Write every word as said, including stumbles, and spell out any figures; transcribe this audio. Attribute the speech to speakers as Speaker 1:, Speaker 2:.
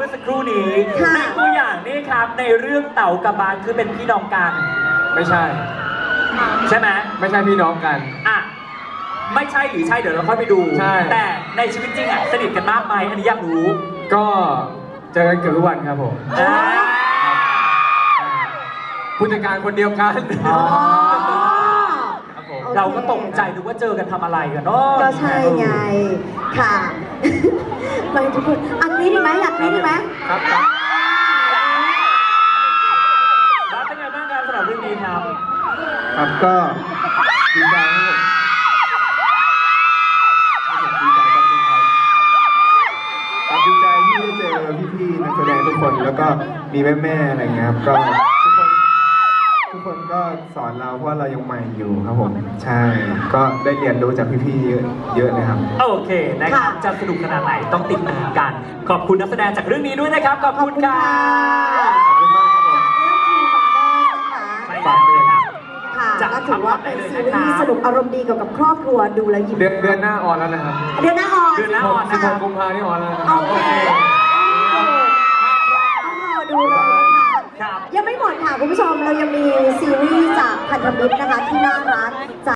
Speaker 1: อสักครู่นี้ในตัวอย่างนี่ครับในเรื่องเต่ากับบานคือเป็นพี่น้องกัน
Speaker 2: ไม่ใช่
Speaker 1: ใช่ไหม
Speaker 2: ไม่ใช่พี่น้องกัน
Speaker 1: อ่ะไม่ใช่หรือใช่เดี๋ยวเราค่อยไปดูแต่ในชีวิตจริงอ่ะสนิทกันมากไหมอันนี้อยากรู้
Speaker 2: ก็เจอกันเกือบทุกวันครับผมผู้จัดการคนเดียวกัน
Speaker 1: เราก็ตกใจดูว่าเจอกันทำอะไรกันเนาะ
Speaker 3: ก็ใช่ไงค่ะมาทุกคนอันนี้ดีไหมอยากนี้ดีไหม
Speaker 2: ครับ
Speaker 1: บ้านเป็นไงบ้างครับสำหรับเรื่องนี้ครับ
Speaker 2: ครับก็ดีใจครับดีใจครับดีใจที่ได้เจอพี่ๆนักแสดงทุกคนแล้วก็มีแม่ๆอะไรเงี้ยครับก็ทุกคนทุกคนก็สอนเราเพราะเรายังใหม่อยู่ครับผมใช่ก็ได้เรียนรู้จากพี่ๆเยอะเยอะเลยครับ
Speaker 1: โอเคนะครับจะสนุกขนาดไหนต้องติดตามกันขอบคุณนักแสดงจากเรื่องนี้ด้วยนะครับขอบคุณค่ะ
Speaker 2: ขอบคุณมากครับผม
Speaker 3: ฝากด้วยครับค่ะก็ถือว่าเป็นซีรีส์สนุกอารมณ์ดีเกี่ยวกับครอบครัวดูแลยิ้ม
Speaker 2: เดือนเดือนหน้าออนแล้วนะครับ
Speaker 3: เดือนหน้าออน
Speaker 1: เดือนหน้าออน
Speaker 2: สิบหกกุมภาพันธ์นี่ออนแล้ว
Speaker 3: โอเคต้องรอดูเลยนะคะยังไม่หมดค่ะคุณผู้ชมเรายังมีซีรีส์จากพันธมิตรนะคะที่น่ารัก